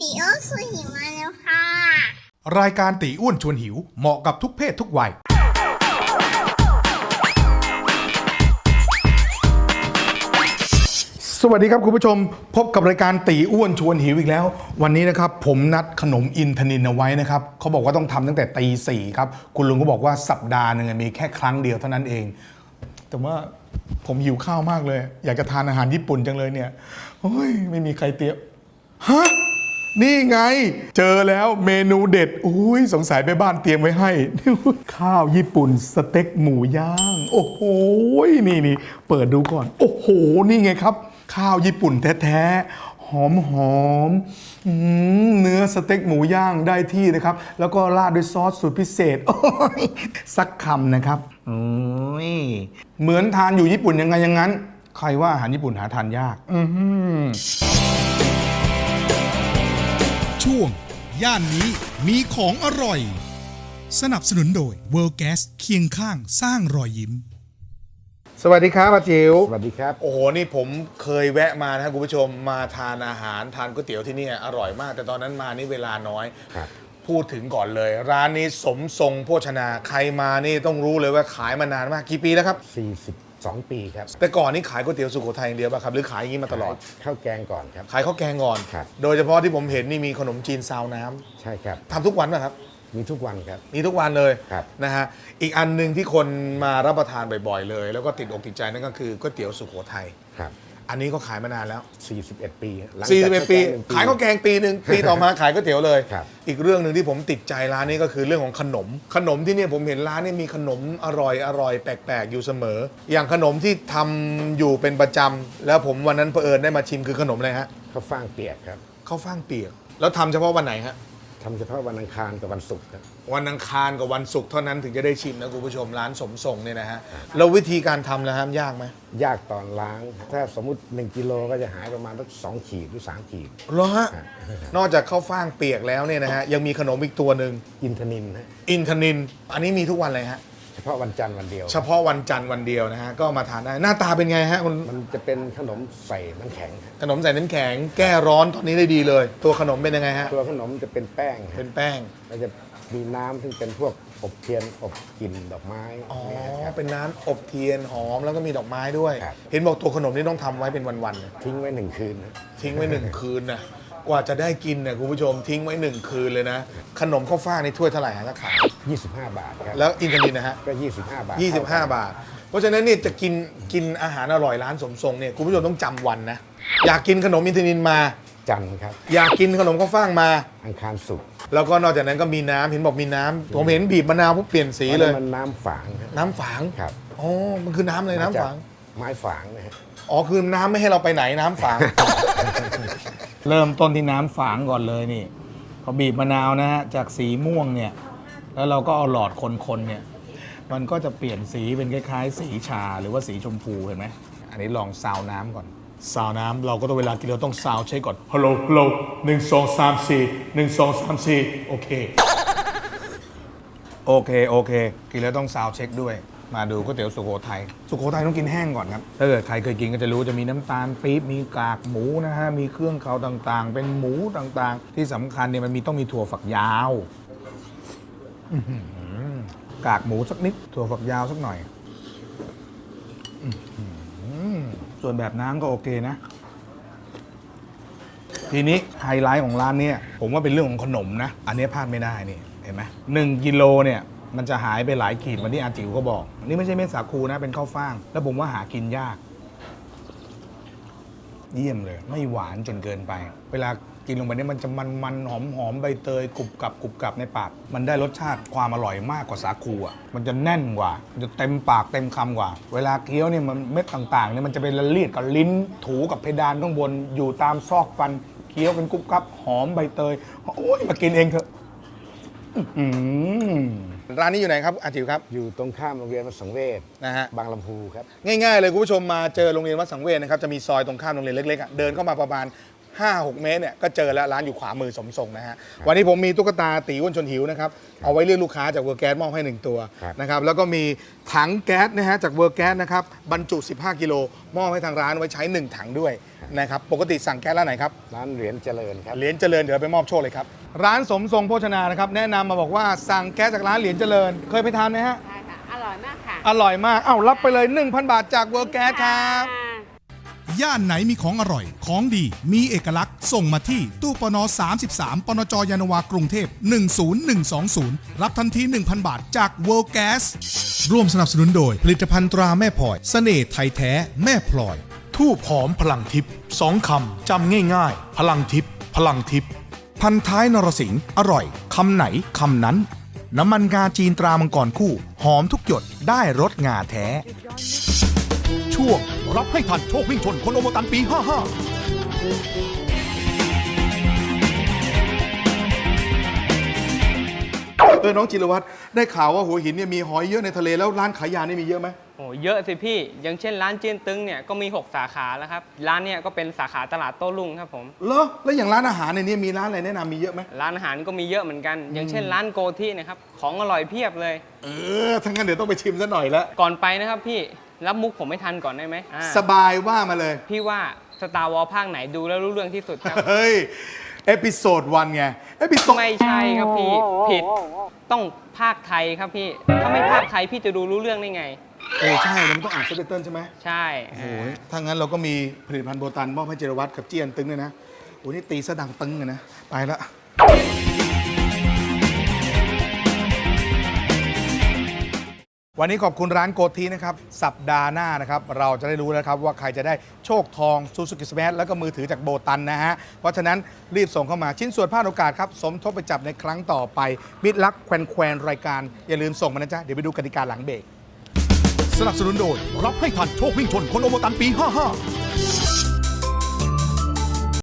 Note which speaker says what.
Speaker 1: ตีโอสุหิวมาแล้วค่ะ
Speaker 2: รายการตีอ้วนชวนหิวเหมาะกับทุกเพศทุกวัยสวัสดีครับคุณผู้ชมพบกับรายการตีอ้วนชวนหิวอีกแล้ว วันนี้นะครับผมนัดขนมอินทนินเอาไว้นะครับเขาบอกว่าต้องทำตั้งแต่ตี 4ครับคุณลุงก็บอกว่าสัปดาห์หนึ่งมีแค่ครั้งเดียวเท่านั้นเองแต่ว่าผมหิวข้าวมากเลยอยากจะทานอาหารญี่ปุ่นจังเลยเนี่ยโอ้ยไม่มีใครเตรียมฮะนี่ไงเจอแล้วเมนูเด็ดอุ้ยสงสัยไปบ้านเตรียมไว้ให้ ข้าวญี่ปุ่นสเต็กหมูย่างโอ้โหนี่เปิดดูก่อนโอ้โหนี่ไงครับข้าวญี่ปุ่นแท้ๆหอมเนื้อสเต็กหมูย่างได้ที่นะครับแล้วก็ราดด้วยซอสสูตรพิเศษโอ้ยสักคำนะครับโอ้ยเหมือนทานอยู่ญี่ปุ่นยังไงอย่างนั้น ใครว่าอาหารญี่ปุ่นหาทานยาก
Speaker 3: ช่วงย่านนี้มีของอร่อยสนับสนุนโดย World Gas เคียงข้างสร้างรอยยิ้ม
Speaker 2: สวัสดีครับอาจิ๋ว
Speaker 4: สวัสดีครับ
Speaker 2: โอ้โหนี่ผมเคยแวะมานะครับคุณผู้ชมมาทานอาหารทานก๋วยเตี๋ยวที่นี่อร่อยมากแต่ตอนนั้นมานี่เวลาน้อยพูดถึงก่อนเลยร้านนี้สมทรงโภชนาใครมานี่ต้องรู้เลยว่าขายมานานมากกี่ปีแล้วครับ
Speaker 4: 42 ปีครับ
Speaker 2: แต่ก่อนนี่ขายก๋วยเตี๋ยวสุโขทัยอย่างเดียวป่ะครับหรือขายอย่างนี้มาตลอด
Speaker 4: ข้าวแกงก่อนครับ
Speaker 2: ขายข้าวแกงก่อน
Speaker 4: ครับ
Speaker 2: โดยเฉพาะที่ผมเห็นนี่มีขนมจีนซาวน้ำ
Speaker 4: ใช่ครับ
Speaker 2: ทำทุกวันป่ะครับ
Speaker 4: มีทุกวันครับ
Speaker 2: มีทุกวันเลย
Speaker 4: ครับ
Speaker 2: นะฮะอีกอันหนึ่งที่คนมารับประทานบ่อยๆเลยแล้วก็ติดอกติดใจนั่นก็คือก๋วยเตี๋ยวสุโขทัย
Speaker 4: ครับ
Speaker 2: อันนี้ก็ขายมานานแล้ว
Speaker 4: 41 ปี
Speaker 2: 41 ปีขายข้าวแกงปีหนึ่งปีต่อมาขายก๋วยเตี๋ยวเลย
Speaker 4: ครับ
Speaker 2: อีกเรื่องหนึ่งที่ผมติดใจร้านนี้ก็คือเรื่องของขนมที่เนี่ยผมเห็นร้านนี้มีขนมอร่อยแปลกๆอยู่เสมอ อย่างขนมที่ทำอยู่เป็นประจำแล้วผมวันนั้นเผอิญได้มาชิมคือขนมอะไรฮะ
Speaker 4: ข้าวฟ่างเปียกครับ
Speaker 2: ข้าวฟ่างเปียกแล้วทำเฉพาะวันไหนฮะ
Speaker 4: ทำเฉพาะวันอังคารกับวันศุกร์ครับ
Speaker 2: วันอังคารกับวันศุกร์เท่านั้นถึงจะได้ชิมนะคุณผู้ชมร้านสมทรงเนี่ยนะฮะแล้ววิธีการทำนะฮะยากไหม
Speaker 4: ยากตอนล้างถ้าสมมุติ1 กิโลก็จะหายประมาณสัก2 ขีดหรือ3 ขีด
Speaker 2: เหรอฮะนอกจากข้าวฟ่างเปียกแล้วเนี่ยนะฮะยังมีขนมอีกตัวหนึ่ง
Speaker 4: อินทนินฮะ
Speaker 2: อินทนินอันนี้มีทุกวันเลยฮะ
Speaker 4: เฉพาะวันจันทร์วันเดียว
Speaker 2: เฉพาะวันจันทร์วันเดียวนะฮะก็มาทานได้หน้าตาเป็นไงฮะ
Speaker 4: มันจะเป็นขนมใส่น้ำแข็ง
Speaker 2: ขนมใส่น้ำแข็งแก้ร้อนตอนนี้ได้ดีเลยตัวขนมเป็นยังไงฮะ
Speaker 4: ตัวขนมจะเป็นแป้ง
Speaker 2: เป็นแป้ง
Speaker 4: แล้วจะมีน้ำซึ่งเป็นพวกอบเทียนอบกลิ่นดอกไม้
Speaker 2: อ๋อเป็นน้ำอบเทียนหอมแล้วก็มีดอกไม้ด้วยเห็นบอกตัวขนมนี่ต้องทำไว้เป็นวัน
Speaker 4: ๆทิ้งไว้1 คืน
Speaker 2: ทิ้งไว้1 คืนนะกว่าจะได้กินเนี่ยคุณผู้ชมทิ้งไว้1 คืนเลยนะขนมข้าวฟ่างนี่ถ้วยเท่าไหร่ฮะราคา
Speaker 4: 25 บาทครับ
Speaker 2: แล้วอินทนินนะฮะ
Speaker 4: ก็25 บาท
Speaker 2: 25 บาทเพราะฉะนั้นเนี่ยจะกินอาหารอร่อยร้านสมทรงเนี่ยคุณผู้ชมต้องจำวันนะอยากกินขนมอินทนินมา
Speaker 4: จันทร์ครับ
Speaker 2: อยากกินขนมข้าวฟ่างมา
Speaker 4: อังคารศุกร์
Speaker 2: แล้วก็นอกจากนั้นก็มีน้ำเห็นบอกมีน้ำผมเห็นบีบมะนาวปุ๊บเปลี่ยนสีเลย
Speaker 4: มันน้ำฝาง
Speaker 2: น้ำฝาง
Speaker 4: ครับ
Speaker 2: อ๋อมันคือน้ำเลยน้ำฝาง
Speaker 4: ไม้ฝางนะฮะ
Speaker 2: อ๋อคือน้ำไม่ให้เราไปไหนน้ำฝาง เริ่มต้นที่น้ำฝางก่อนเลยนี่พอบีบมะนาวนะฮะจากสีม่วงเนี่ยแล้วเราก็เอาหลอดคนๆเนี่ยมันก็จะเปลี่ยนสีเป็นคล้ายๆสีชาหรือว่าสีชมพูเห็นไหมอันนี้ลองซาวน้ำก่อนซาวน้ำเราก็ต้องเวลากินเราต้องซาวเช็คก่อนฮัลโหล1 2 3 4 1 2 3 4โอเคกินแล้วต้องซาวเช็คด้วยมาดูก๋วยเตี๋ยวสุโขทัยต้องกินแห้งก่อนครับถ้าเกิดใครเคยกินก็จะรู้จะมีน้ำตาลปี๊บมีกากหมูนะฮะมีเครื่องเคาต่างๆเป็นหมูต่างๆที่สำคัญเนี่ยมันต้องมีถั่วฝักยาวกากหมูสักนิดถั่วฝักยาวสักหน่อยส่วนแบบน้ำก็โอเคนะทีนี้ไฮไลท์ของร้านนี้ผมว่าเป็นเรื่องของขนมนะอันนี้พลาดไม่ได้นี่เห็นไหม1 กิโลเนี่ยมันจะหายไปหลายขีดเหมือนที่อาจิ๋วก็บอกนี่ไม่ใช่เม็ดสาคูนะเป็นข้าวฟ่างแล้วผมว่าหากินยากเยี่ยมเลยไม่หวานจนเกินไปเวลากินลงไปนี่มันจะมันหอมใบเตยกรุบกรับในปากมันได้รสชาติความอร่อยมากกว่าสาคูอ่ะมันจะแน่นกว่ามันจะเต็มปากเต็มคำกว่าเวลาเคี้ยวเนี่ยมันเม็ดต่างๆเนี่ยมันจะเป็นละเลียดกับลิ้นถูกับเพดานข้างบนอยู่ตามซอกฟันเคี้ยวเป็นกรุบกรับหอมใบเตยโอ้ยมากินเองเถอะร้านนี้อยู่ไหนครับอาจิ๋วครับ
Speaker 4: อยู่ตรงข้ามโรงเรียนวัดสังเวช
Speaker 2: นะฮะ
Speaker 4: บางลำพูครับ
Speaker 2: ง่ายๆเลยคุณผู้ชมมาเจอโรงเรียนวัดสังเวชนะครับจะมีซอยตรงข้ามโรงเรียนเล็กๆเดินเข้ามาประมาณ 5-6 เมตรเนี่ยก็เจอแล้วร้านอยู่ขวามือสมทรงนะฮะวันนี้ผมมีตุ๊กตาตีอ้วนชวนหิวนะครับเอาไว้เรียกลูกค้าจากเวอร์แก๊สมอบให้1ตัวนะครับแล้วก็มีถังแก๊สนะฮะจากเวอร์แก๊สนะครับบรรจุ15 กิโลมอบให้ทางร้านไว้ใช้1ถังด้วยนะครับปกติสั่งแก๊สร้านไหนครับ
Speaker 4: ร้านเหรียญเจริญครับ
Speaker 2: เหรียญเจริญเดี๋ยวไปมอบโชคเลยครับร้านสมทรงโภชนานะครับแนะนำมาบอกว่าสั่งแก๊สจากร้านเหรียญเจริญเคยไปทานไหมฮะ
Speaker 5: ใช่ค่ะ อร่อยมากค่ะ
Speaker 2: อร่อยมากเอ้ารับไปเลย 1,000 บาทจากเวอร์แก๊สครับ
Speaker 3: ย่านไหนมีของอร่อย ของดี มีเอกลักษณ์ ส่งมาที่ตู้ปน 33 ปนจยานนาวากรุงเทพ 10120 รับทันที 1,000 บาทจาก World Gas ร่วมสนับสนุนโดย ผลิตภัณฑ์ตราแม่พลอย เสน่ห์ไทยแท้แม่พลอย ทูบหอมพลังทิพย์2 คำ จำง่ายๆ พลังทิพย์พลังทิพย์พันท้ายนรสิงห์อร่อย คำไหน คำนั้น น้ำมันงาจีนตรามังกรคู่ หอมทุกหยดได้รสงาแท้ ช่วงรับให้ทันโชควิ่งชนคนโอโมตันปี 55
Speaker 2: น้องจิรวัตรได้ข่าวว่าหัวหินเนี่ยมีหอยเยอะในทะเลแล้วร้านขายยานี่มีเยอะไหม
Speaker 6: โอ้เยอะสิพี่ อย่างเช่นร้านเจียนตึงเนี่ยก็มี 6 สาขาแล้วครับ ร้านเนี่ยก็เป็นสาขาตลาดโต้รุ่งครับผม
Speaker 2: เหรอแล้วอย่างร้านอาหารในนี้มีร้านอะไรแนะนำมีเยอะไหม
Speaker 6: ร้านอาหารก็มีเยอะเหมือนกัน อย่างเช่นร้านโกที่นะครับ ของอร่อยเพียบเลย
Speaker 2: ทั้างนั้นเดี๋ยวต้องไปชิมซะหน่อยแล้ว
Speaker 6: ก่อนไปนะครับพี่ รับมุกผมไม่ทันก่อนได้ไหม
Speaker 2: สบายว่ามาเลย
Speaker 6: พี่ว่าสตาร์วอลภาคไหนดูแล้วรู้เรื่องที่สุดครับ
Speaker 2: เฮ้ย เอพิโซดวันไง เอพิโซด
Speaker 6: ไม่ใช่ครับพี่ ผิด ต้องภาคไทยครับพี่ ถ้าไม่ภาคไทยพี่จะดูรู้เรื่องได้ไง
Speaker 2: ใช่แล้วมันต้องอ่านซับไตเติลใช่ไหม
Speaker 6: ใช่
Speaker 2: โอ้ยถ้างั้นเราก็มีผลิตภัณฑ์โบตันมอบให้จิรวัตรกับเจียนตึงเลยนะโอ้นี่ตีสะดังตึงเลยนะ ไปละวันนี้ขอบคุณร้านโกทีนะครับ สัปดาห์หน้านะครับ เราจะได้รู้แล้วครับว่าใครจะได้โชคทองซูซูกิสมาร์ทแล้วก็มือถือจากโบตันนะฮะ เพราะฉะนั้นรีบส่งเข้ามาชิ้นส่วนพลาดโอกาสครับ สมทบไปจับในครั้งต่อไป มิตรรักแควนรายการ อย่าลืมส่งมานะจ๊ะ เดี๋ยวไปดูกติกาหลังเบรก
Speaker 3: สนับสนุนโดย รับให้ทันโชควิ่งชนคนโอโมตันปี 55